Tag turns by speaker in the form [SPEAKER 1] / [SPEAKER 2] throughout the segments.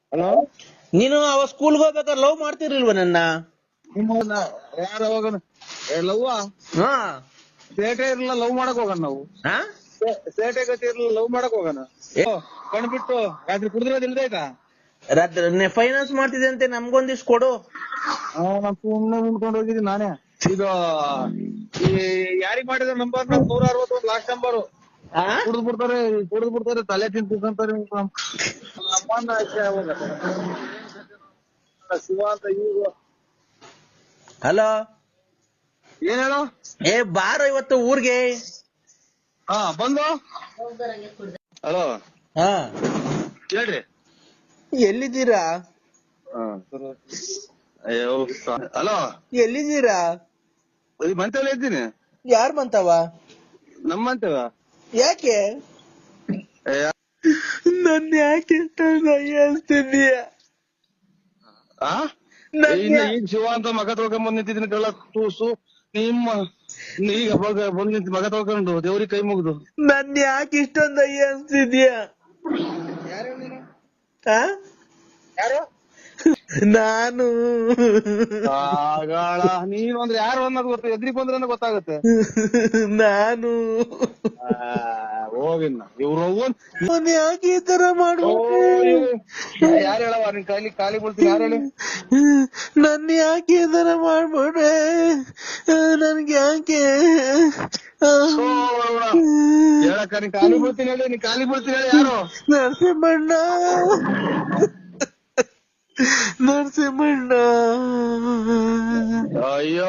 [SPEAKER 1] Hello,
[SPEAKER 2] ನೀನು ಅವ ಸ್ಕೂಲ್ಗೆ ಹೋಗ್ಬೇಕಾದ್ರೆ ಲವ್ ಮಾಡ್ತಿರ್ಲಿಲ್ವ ನನ್ನ?
[SPEAKER 1] ನಿಮ್ಮ ಯಾರ ಅವಾಗ ಲವ್
[SPEAKER 2] ಹಾ
[SPEAKER 1] ಸೇಟೆ ಇರಲಿಲ್ಲ, ಲವ್ ಮಾಡಕ್ ಹೋಗೋಣ ನಾವು.
[SPEAKER 2] ಹಾ
[SPEAKER 1] ಸೇಟೆ ಗತಿ ಇರಲಿಲ್ಲ, ಲವ್ ಮಾಡಕ್ ಹೋಗೋಣ. ಕಣ್ಬಿಟ್ಟು ರಾತ್ರಿ ಕುಡಿದ್ರೋದ್ ಇಲ್ದಾಯ್ತಾ?
[SPEAKER 2] ರಾತ್ರಿ ಫೈನಾನ್ಸ್ ಮಾಡ್ತಿದೆ ಅಂತೆ, ನಮ್ಗೊಂದಿಷ್ಟು ಕೊಡು.
[SPEAKER 1] ನಾನ್ ಸುಮ್ನೆ ನಿಂತ್ಕೊಂಡು ಹೋಗಿದ್ದೀನಿ ನಾನೇ. ಇದು ಈ ಯಾರಿಗ್ ಮಾಡಿದ ನಂಬರ್ 161 ಲಾಸ್ಟ್ ನಂಬರು.
[SPEAKER 2] ಆ?
[SPEAKER 1] ಕುಡಿದ್ ಬಿಡ್ತಾರೆ, ತಲೆ ತಿಂತಾರೆ. ನಮ್ಮನ್ನ ಶಿವ ಅಂತ ಈಗ
[SPEAKER 2] ಹಲೋ,
[SPEAKER 1] ಏನ್ ಹೇಳು.
[SPEAKER 2] ಏ ಬಾರೋ ಇವತ್ತು ಊರ್ಗೆ.
[SPEAKER 1] ಹಾ ಬಂದು. ಹಲೋ
[SPEAKER 2] ಹಾ
[SPEAKER 1] ಹೇಳ್ರಿ.
[SPEAKER 2] ಎಲ್ಲಿದ್ದೀರಾ?
[SPEAKER 1] ಅಯ್ಯೋ ಹಲೋ,
[SPEAKER 2] ಎಲ್ಲಿದ್ದೀರಾ?
[SPEAKER 1] ಈ ಮಂತೇಲಿ ಇದ್ದೀನಿ.
[SPEAKER 2] ಯಾರ್ ಬಂತವ?
[SPEAKER 1] ನಮ್ಮ ಮಂತೇವ.
[SPEAKER 2] ಯಾಕೆ ನನ್ ಯಾಕೆ ಅನ್ಸ್ತಿದೀಯ?
[SPEAKER 1] ಈಗ ಶಿವ ಅಂತ ಮಗ ತೊಳ್ಕೊಂಡ್ ನಿಂತಿದ್ದೀನಿ ಕಳ್ಳ ತೂಸು. ನಿಮ್ಮ ಈಗ ಬಂದ್ ನಿಂತ ಮಗ ತೊಳ್ಕೊಂಡು ದೇವ್ರಿಗೆ ಕೈ ಮುಗ್ದು.
[SPEAKER 2] ನನ್ ಯಾಕೆ ಇಷ್ಟೊಂದು ಅನ್ಸ್ತಿದ್ಯಾ?
[SPEAKER 1] ಯಾರು?
[SPEAKER 2] ನಾನು
[SPEAKER 1] ಆಗಳ ನೀನು ಅಂದ್ರೆ ಯಾರು ಅನ್ನೋದು ಗೊತ್ತ, ಎದ್ರಿಗೆ ಬಂದ್ರೆ ಗೊತ್ತಾಗುತ್ತೆ.
[SPEAKER 2] ನಾನು
[SPEAKER 1] ಹೋಗಿನ್ನ ಇವ್ರು
[SPEAKER 2] ಯಾಕೆ ಈ ತರ ಮಾಡ್ಬಿಟ್ಟೆ?
[SPEAKER 1] ಯಾರು ಹೇಳವ ನಿನ್ ಖಾಲಿ ಬೀಳ್ತೀನಿ, ಯಾರು ಹೇಳಿ?
[SPEAKER 2] ನನ್ ಯಾಕೆ ಈ ತರ ಮಾಡ್ಬಿಟ್ರೆ? ನನ್ಗೆ ಯಾಕೆ
[SPEAKER 1] ಹೇಳಕ್ಕ ನೀನ್ ಖಾಲಿ ಬೀಳ್ತೀನಿ ಹೇಳಿ, ನೀನ್ ಖಾಲಿ ಬೀಳ್ತೀನಿ ಹೇಳಿ. ಯಾರು?
[SPEAKER 2] ನರಸಿಂಹಣ್ಣ, ನರಸಿಂಹಣ್ಣ.
[SPEAKER 1] ಅಯ್ಯೋ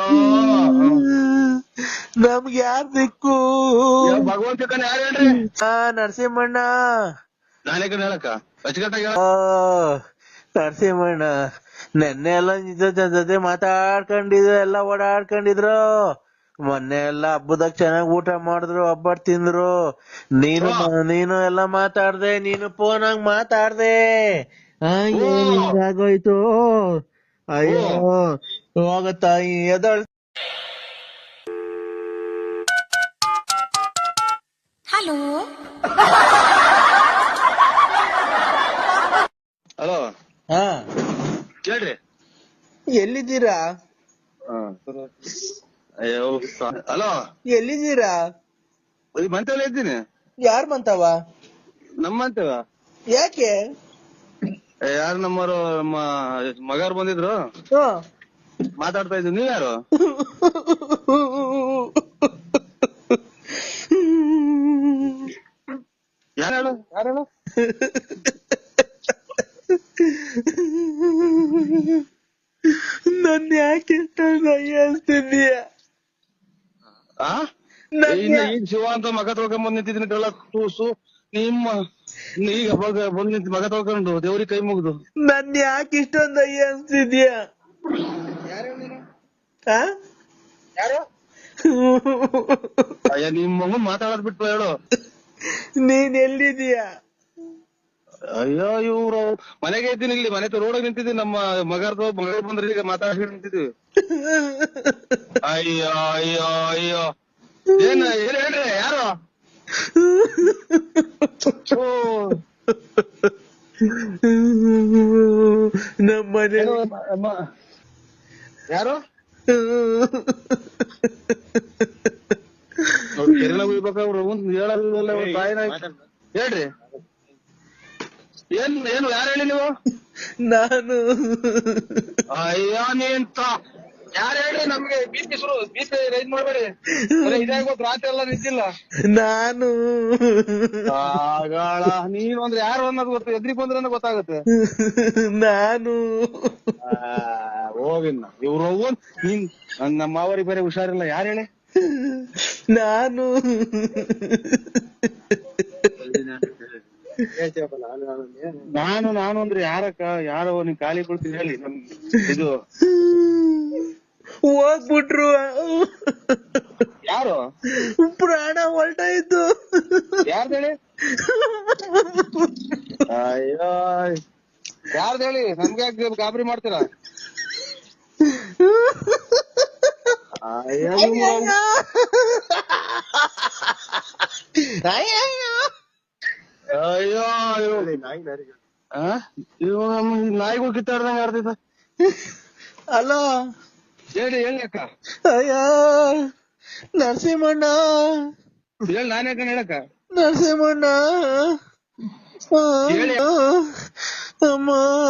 [SPEAKER 2] ನಮ್ಗೆ ಯಾರ್ ದಿಕ್ಕು?
[SPEAKER 1] ಭಗವಂತ ಕಣ, ಯಾರು ಹೇಳ್ರಿ?
[SPEAKER 2] ನರಸಿಂಹಣ್ಣ.
[SPEAKER 1] ನಾನೇ ಕಣ ಹೇಳಕ್ಕ ಅಚ್ಚುಕಟ್ಟಾಗಿ.
[SPEAKER 2] ನರಸಿಂಹಣ್ಣ, ನೆನ್ನೆ ಎಲ್ಲ ನಿಜ ಜೊತೆ ಮಾತಾಡ್ಕೊಂಡಿದ್ರು, ಎಲ್ಲ ಓಡಾಡ್ಕೊಂಡಿದ್ರು. ಮೊನ್ನೆ ಎಲ್ಲ ಹಬ್ಬದಾಗ ಚೆನ್ನಾಗ್ ಊಟ ಮಾಡಿದ್ರು, ಹಬ್ಬಟ್ ತಿಂದ್ರು. ನೀನು ಎಲ್ಲ ಮಾತಾಡ್ದೆ, ನೀನು ಫೋನಾಗ್ ಮಾತಾಡ್ದೆ. ಹಿಂಗಾಗೋಯ್ತು. ಅಯ್ಯೋ ಹೋಗತ್ತಾಯಿ ಎದಳ್.
[SPEAKER 3] ಹಲೋ
[SPEAKER 1] ಹಲೋ,
[SPEAKER 2] ಹಾ
[SPEAKER 1] ಹೇಳ್ರಿ.
[SPEAKER 2] ಎಲ್ಲಿದ್ದೀರಾ?
[SPEAKER 1] ಅಯ್ಯೋ ಹಲೋ,
[SPEAKER 2] ಎಲ್ಲಿದ್ದೀರಾ?
[SPEAKER 1] ಈ ಮಂತೇಲಿ ಇದ್ದೀನಿ.
[SPEAKER 2] ಯಾರ್ ಬಂತವ?
[SPEAKER 1] ನಮ್ಮ ಮಂತೇವ.
[SPEAKER 2] ಯಾಕೆ?
[SPEAKER 1] ಯಾರು ನಮ್ಮವರು, ನಮ್ಮ ಮಗಾರು ಬಂದಿದ್ರು, ಮಾತಾಡ್ತಾ ಇದ್ರು. ನೀವ್ ಯಾರು? ಯಾರು ಹೇಳು, ಯಾರು ಹೇಳು?
[SPEAKER 2] ನನ್ ಯಾಕೆ ಅನ್ಸ್ತಿದೀಯ?
[SPEAKER 1] ಈಗ ಶಿವ ಅಂತ ಮಗ ತೊಳ್ಕೊಂಡ್ ನಿಂತಿದ್ದೀನಿ ಕಳ್ಳ ತೂಸು. ನಿಮ್ಮ ಈಗ ಬಂದ್ ನಿಂತ ಮಗ ತೊಳ್ಕೊಂಡು ದೇವ್ರಿಗೆ ಕೈ ಮುಗ್ದು.
[SPEAKER 2] ನನ್ ಯಾಕೆ ಇಷ್ಟೊಂದು ಅನ್ಸ್ತಿದ್ಯಾ?
[SPEAKER 1] ಯಾರು? ಅಯ್ಯ ನಿಮ್ ಮಗನ್ ಮಾತಾಡೋದ್ ಬಿಟ್ಟು ಹೇಳು.
[SPEAKER 2] ನೀನ್ ಎಲ್ಲಿದೀಯಾ?
[SPEAKER 1] ಅಯ್ಯೋ ಇವ್ರು ಮನೆಗೆ ಇದ್ದೀನಿ, ಇಲ್ಲಿ ಮನೆ ರೋಡಾಗ ನಿಂತಿದ್ದೀನಿ. ನಮ್ಮ ಮಗ ಬಂದ್ರೆ ಈಗ ಮಾತಾಡ್ಕೊಂಡು ನಿಂತಿದ್ವಿ. ಅಯ್ಯೋ ಅಯ್ಯೋ ಅಯ್ಯೋ, ಏನ್ ಹೇಳ್ರಿ? ಯಾರು?
[SPEAKER 2] ನಮ್ಮನೆ
[SPEAKER 1] ಯಾರು? ಕೆರೆಲ ಹೋಗ್ಬೇಕಾವ್ರು ಹೇಳಲ್ಲ ತಾಯಿನ. ಹೇಳ್ರಿ, ಏನು ಯಾರು ಹೇಳಿ ನೀವು?
[SPEAKER 2] ನಾನು.
[SPEAKER 1] ಅಯ್ಯೋ ನೀಂತ ಯಾರು ಹೇಳಿ? ನಮ್ಗೆ ಬೀಸಿ ರೈಸ್ ಮಾಡ್ಬೇಡಿ. ಇದಾಗೋದು ರಾತ್ರಿ ಎಲ್ಲ ನಿಂತಿಲ್ಲ.
[SPEAKER 2] ನಾನು.
[SPEAKER 1] ಆಗಳ ನೀನು ಅಂದ್ರೆ ಯಾರು ಅನ್ನೋದು ಗೊತ್ತ, ಎದ್ರಿಗೆ ಬಂದ್ರೆ ಗೊತ್ತಾಗುತ್ತೆ.
[SPEAKER 2] ನಾನು.
[SPEAKER 1] ಹೋಗಿನ್ನ ಇವ್ರು ನೀನ್ ನಮ್ಮ ಅವರಿಗೆ ಬೇರೆ ಹುಷಾರಿಲ್ಲ. ಯಾರು ಹೇಳಿ?
[SPEAKER 2] ನಾನು.
[SPEAKER 1] ನಾನು ಅಂದ್ರೆ ಯಾರಕ್ಕ? ಯಾರೋ ನೀನ್ ಖಾಲಿ ಕೊಡ್ತೀನಿ ಹೇಳಿ. ನಮ್ ಇದು
[SPEAKER 2] ಹೋಗ್ಬಿಟ್ರು.
[SPEAKER 1] ಯಾರು?
[SPEAKER 2] ಪ್ರಾಣ ಹೊಲ್ಟಾಯ್ತು.
[SPEAKER 1] ಯಾರ್ದು ಹೇಳಿ? ಅಯ್ಯೋ ಯಾರ್ದು ಹೇಳಿ? ನಮ್ಗೆ ಗಾಬರಿ ಮಾಡ್ತೀರಾ? ಅಯ್ಯೋ ಅಯ್ಯೋ ನಾಯಿಗಳು ಕಿತ್ತಾಡ್ದಂಗ ಆಡ್ತೈತ.
[SPEAKER 2] ಅಲೋ
[SPEAKER 1] ಹೇಳಿ ಅಕ್ಕ.
[SPEAKER 2] ಅಯ್ಯ ನರಸಿಂಹಣ್ಣ,
[SPEAKER 1] ಹೇಳಿ ನಾನೇ ಯಾಕಂತ ಹೇಳಕ್ಕ.
[SPEAKER 2] ನರಸಿಂಹಣ್ಣ,
[SPEAKER 1] ಹೇಳಿ.
[SPEAKER 2] ಅಮ್ಮ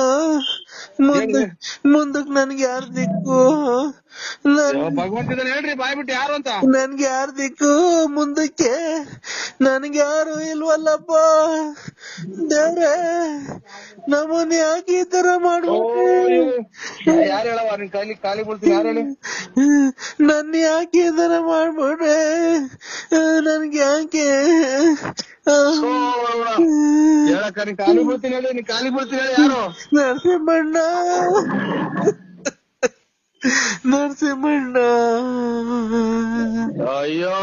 [SPEAKER 2] ಮುಂದಕ್ ನನ್ಗೆ ಯಾರ್ ದಿಕ್ಕು?
[SPEAKER 1] ಭಗವಂತ ಹೇಳ್ರಿ ಬಾಯ್ ಬಿಟ್ಟು ಯಾರು ಅಂತ.
[SPEAKER 2] ನನ್ಗೆ ಯಾರ್ ದಿಕ್ಕು ಮುಂದಕ್ಕೆ? ನನ್ಗೆ ಯಾರು ಇಲ್ವಲ್ಲಪ್ಪ ದೇವ್ರೆ, ನಮ್ಮನ್ನ ಯಾಕೆ ಈ ತರ ಮಾಡ್ಬಿಟ್ಟೆ?
[SPEAKER 1] ಯಾರು ಹೇಳವ ನಿನ್ ಖಾಲಿ ಬಿಡ್ತೀನಿ, ಯಾರು ಹೇಳಿ?
[SPEAKER 2] ನನ್ನ ಯಾಕೆ ಈ ತರ ಮಾಡ್ಬಿಟ್ರೆ? ನನ್ಗೆ ಯಾಕೆ
[SPEAKER 1] ಹೇಳಕ್ಕ, ನೀನ್ ಖಾಲಿ ಬಿಡ್ತೀನಿ ಹೇಳಿ, ನೀನ್ ಖಾಲಿ ಬಿಡ್ತೀನಿ ಹೇಳಿ. ಯಾರು?
[SPEAKER 2] ನರಸಿಂಹಣ್ಣ, ನರಸಿಂಹಣ್ಣ.
[SPEAKER 1] ಅಯ್ಯೋ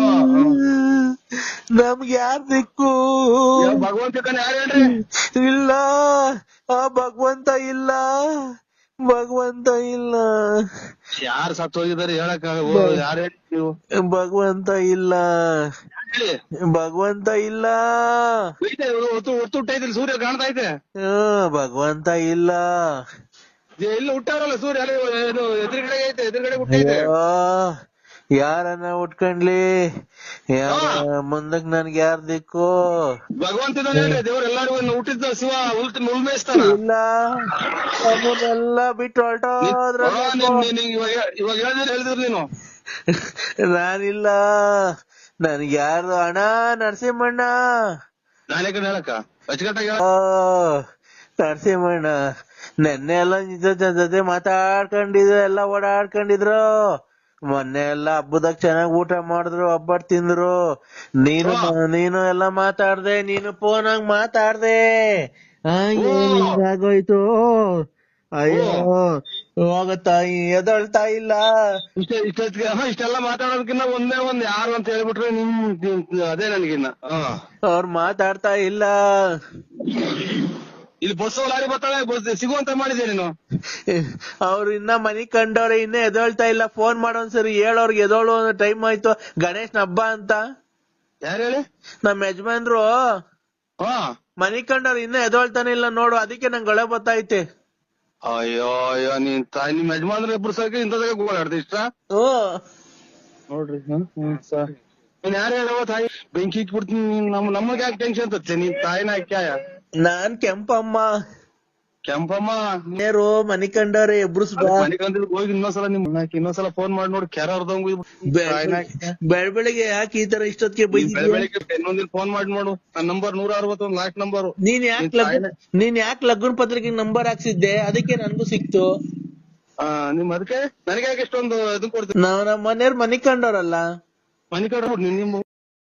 [SPEAKER 2] ನಮ್ಗೆ ಯಾರ್ ದಿಕ್ಕು?
[SPEAKER 1] ಭಗವಂತ ಯಾರು ಹೇಳ್ರಿ?
[SPEAKER 2] ಇಲ್ಲ, ಆ ಭಗವಂತ ಇಲ್ಲ, ಭಗವಂತ ಇಲ್ಲ.
[SPEAKER 1] ಯಾರು ಸತ್ತು ಹೋಗಿದ್ದಾರೆ ಹೇಳಕ್ಕ? ಯಾರು ಹೇಳಿ ನೀವು?
[SPEAKER 2] ಭಗವಂತ ಇಲ್ಲ,
[SPEAKER 1] ಹೇಳಿ.
[SPEAKER 2] ಭಗವಂತ ಇಲ್ಲ.
[SPEAKER 1] ಹುಟ್ಟೈತಿಲ್ಲ, ಸೂರ್ಯ ಕಾಣ್ತಾ ಐತೆ.
[SPEAKER 2] ಭಗವಂತ ಇಲ್ಲ.
[SPEAKER 1] ಇಲ್ಲ ಹುಟ್ಟಾರಲ್ಲ ಸೂರ್ಯ, ಎದುರುಗಡೆ ಐತೆ, ಎದುರುಗಡೆ ಹುಟ್ಟೈತೆ.
[SPEAKER 2] ಯಾರನ್ನ ಉಟ್ಕೊಂಡ್ಲಿ, ಮುಂದಕ್ ನನ್ಗೆ ಯಾರ್ ದಿಕ್ಕು?
[SPEAKER 1] ಭಗವಂತ ಹೇಳ್ರಿ, ದೇವ್ರ ಎಲ್ಲಾರು ಹುಟ್ಟಿದ್ದ ಶಿವ ಉಳ್ಮೇಯಿಸ್ತಾನ.
[SPEAKER 2] ಇಲ್ಲ, ಅವನ್ನೆಲ್ಲ ಬಿಟ್ಟು ಹೊರಟೋದ್ರ.
[SPEAKER 1] ಇವಾಗ ಹೇಳಿದ್ರು ನೀನು.
[SPEAKER 2] ನಾನಿಲ್ಲ, ನನ್ಗೆ ಯಾರು? ಅಣ್ಣ ನರಸಿಂಹಣ್ಣ,
[SPEAKER 1] ನಾನೇ ಕಡೆ ಹೇಳಕ್ಕ ಅಚ್ಚುಕಟ್ಟಾಗಿ.
[SPEAKER 2] ನರಸಿಂಹಣ್ಣ, ನೆನ್ನೆ ಎಲ್ಲ ಜೊತೆ ಮಾತಾಡ್ಕೊಂಡಿದ್ರು, ಎಲ್ಲ ಓಡಾಡ್ಕೊಂಡಿದ್ರು. ಮೊನ್ನೆ ಎಲ್ಲ ಹಬ್ಬದಾಗ ಚೆನ್ನಾಗ್ ಊಟ ಮಾಡಿದ್ರು, ಒಬ್ಬಟ್ ತಿಂದ್ರು. ನೀನು ಎಲ್ಲ ಮಾತಾಡ್ದೆ, ನೀನು ಫೋನ್ ಆಗಿ ಮಾತಾಡ್ದೆ. ಆಗೋಯ್ತು. ಅಯ್ಯೋ ಹೋಗತ್ತಾಯಿ, ಎದಳ್ತಾ ಇಲ್ಲ.
[SPEAKER 1] ಇಷ್ಟೆಲ್ಲ ಮಾತಾಡೋದಕ್ಕಿನ್ನ ಒಂದ್ ಯಾರು ಅಂತ ಹೇಳ್ಬಿಟ್ರೆ ಅದೇ ನನ್ಗಿನ್ನ.
[SPEAKER 2] ಅವ್ರು ಮಾತಾಡ್ತಾ ಇಲ್ಲ.
[SPEAKER 1] ಇಲ್ಲಿ ಬಸ್ ಲಾರಿ ಬರ್ತಾಳೆ, ಸಿಗುವಂತ ಮಾಡಿದೆ ನೀನು.
[SPEAKER 2] ಅವ್ರು ಇನ್ನ ಮನಿ ಕಂಡವ್ರೆ, ಇನ್ನ ಎದೊಳ್ತಾ ಇಲ್ಲ. ಫೋನ್ ಮಾಡೋನ್ಸರಿ ಹೇಳೋರ್ಗೆ ಎದೋಳು, ಟೈಮ್ ಆಯ್ತು, ಗಣೇಶನ ಹಬ್ಬ ಅಂತ.
[SPEAKER 1] ಯಾರು ಹೇಳಿ?
[SPEAKER 2] ನಮ್ ಯಜಮಾನ್ರು ಮನಿ ಕಂಡವ್ರು ಇನ್ನ ಎದೊಳ್ತಾನೆ ಇಲ್ಲ ನೋಡು, ಅದಕ್ಕೆ ನಂಗೆ ಗಳೆ ಬತ್ತೈತೆ.
[SPEAKER 1] ಅಯ್ಯೋ ಅಯ್ಯೋ, ನಿಮ್ ಯಜಮಾನ್ರ ಇಬ್ರು ಸರ್ಕ ಇಂಥದಾಗ ಗೋಳಾಡ್ದೆ ಇಷ್ಟ ನೋಡ್ರಿ. ನೀನ್ ಯಾರು ಹೇಳವ ತಾಯಿ? ಬೆಂಕಿ ಇಟ್ಬಿಡ್ತೀನಿ. ನಮಗೆ ಯಾಕೆ ಟೆನ್ಷನ್ ತತ್ತೆ? ನೀನ್ ತಾಯಿನ ಕ್ಯಾಯ?
[SPEAKER 2] ನಾನ್ ಕೆಂಪಮ್ಮ.
[SPEAKER 1] ಕೆಂಪಮ್ಮ
[SPEAKER 2] ನೇರು ಮನಿ ಕಂಡವ್ರೆ ಇಬ್ರು.
[SPEAKER 1] ಮನೆ ಕಂದಿದ್ ಹೋಗಿ ಇನ್ನೊಂದ್ಸಲ ಫೋನ್ ಮಾಡಿ ನೋಡಿ, ಕೆರ ಹೊರದಂಗ.
[SPEAKER 2] ಬೆಳಬೆಳಿಗ್ಗೆ ಯಾಕೆ ಈ ತರ ಇಷ್ಟೊತ್ತಿಗೆ
[SPEAKER 1] ಬೆಳಿಗ್ಗೆ ಇನ್ನೊಂದಿನ ಫೋನ್ ಮಾಡಿ ನೋಡು. ನನ್ನ ನಂಬರ್ 161 ಲಾಸ್ಟ್ ನಂಬರ್.
[SPEAKER 2] ನೀನ್ ಯಾಕೆ ಲಗ್ನ ಪತ್ರಿಕೆ ನಂಬರ್ ಹಾಕ್ಸಿದ್ದೆ? ಅದಕ್ಕೆ ನನ್ಗೂ ಸಿಕ್ತು.
[SPEAKER 1] ನಿಮ್ ಅದಕ್ಕೆ ನನಗೆ ಯಾಕೆ ಇಷ್ಟೊಂದು ಇದನ್ ಕೊಡ್ತೀನಿ?
[SPEAKER 2] ನಮ್ಮ ಮನೆಯವ್ರು ಮನಿ ಕಂಡವ್ರಲ್ಲ.
[SPEAKER 1] ಮನಿ ಕಂಡ್ರು ನಿಮ್ಮ.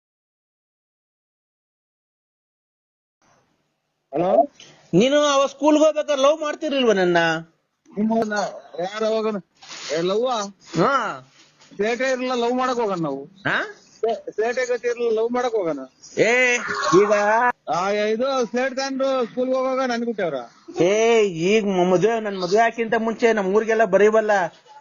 [SPEAKER 1] ಹಲೋ,
[SPEAKER 2] ನೀನು ಅವ ಸ್ಕೂಲ್ಗೆ ಹೋಗ್ಬೇಕಾದ್ರೆ ಲವ್ ಮಾಡ್ತಿರ್ಲಿಲ್ವ ನನ್ನ?
[SPEAKER 1] ಯಾರ ಅವಾಗ ಲವ್? ಸೇಟೆ ಇರಲಿಲ್ಲ, ಲವ್ ಮಾಡಕ್ ಹೋಗೋಣ ನಾವು. ಸೇಟೆ ಗತಿ ಇರಲಿಲ್ಲ, ಲವ್ ಮಾಡಕ್ ಹೋಗೋಣ. ಈಗ ಇದು ಸ್ಲೇಟ್ ತಂದು ಸ್ಕೂಲ್ಗೆ ಹೋಗುವಾಗ ನನ್ ಬಿಟ್ಟವ್ರ.
[SPEAKER 2] ಈಗ ನನ್ ಮದ್ವೆ ಹಾಕಿಂತ ಮುಂಚೆ ನಮ್ ಊರಿಗೆಲ್ಲ ಬರೀವಲ್ಲ,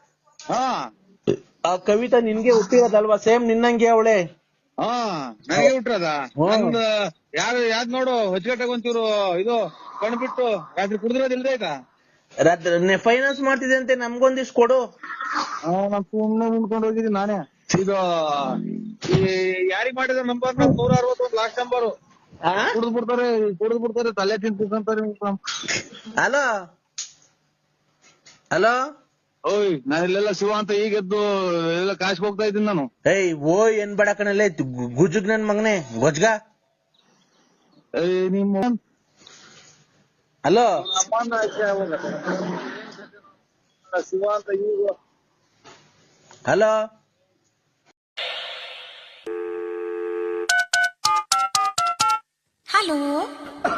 [SPEAKER 2] ಆ ಕವಿತಾ ನಿನ್ಗೆ ಹುಟ್ಟಿರೋದಲ್ವಾ? ಸೇಮ್ ನಿನ್ನಂಗೆ ಅವಳೆ.
[SPEAKER 1] ನನಗೆ ಹುಟ್ಟಿರೋದ? ಯಾವ್ದ್ ನೋಡು, ಹೊಚ್ಕಟ್ಟಾಗ ಒಂಚೂರು ಇದು ಕಣ್ಬಿಟ್ಟು ರಾತ್ರಿ ಕುಡಿದಿರೋದು ಇಲ್ದೈತಾ?
[SPEAKER 2] ಫೈನಾನ್ಸ್ ಮಾಡ್ತಿದೆ ಅಂತೆ, ನಮ್ಗೊಂದಿಷ್ಟು ಕೊಡು.
[SPEAKER 1] ನಾನ್ ಸುಮ್ನೆ ನಿಂತ್ಕೊಂಡು ಹೋಗಿದ್ದೀನಿ ನಾನೇ. ಇದು ಯಾರಿಗ್ ಮಾಡಿದ ನಂಬರ್? 161 last number. ಕುಡಿದು ಬಿಡ್ತಾರೆ, ತಲೆ ತಿಂತಾರೆ.
[SPEAKER 2] ಹಲೋ ಹಲೋ,
[SPEAKER 1] ಓಯ್, ನಾನು ಇಲ್ಲೆಲ್ಲ ಶಿವ ಅಂತ ಈಗೆದ್ದು ಎಲ್ಲ ಕಾಶ್ ಹೋಗ್ತಾ ಇದ್ದೀನಿ ನಾನು.
[SPEAKER 2] ಓಯ್ ಏನ್ ಬೇಡ ಕಣಲ್ಲೇ, ಗುಜ್ಜುಗ್ ನನ್ ಮಗನೇ ಗೊಜ್ಗ.
[SPEAKER 1] ನಿಮ್ಮ
[SPEAKER 2] ಹಲೋ
[SPEAKER 1] ಶಿವ ಅಂತ ಈಗ.
[SPEAKER 2] Hello,
[SPEAKER 3] hello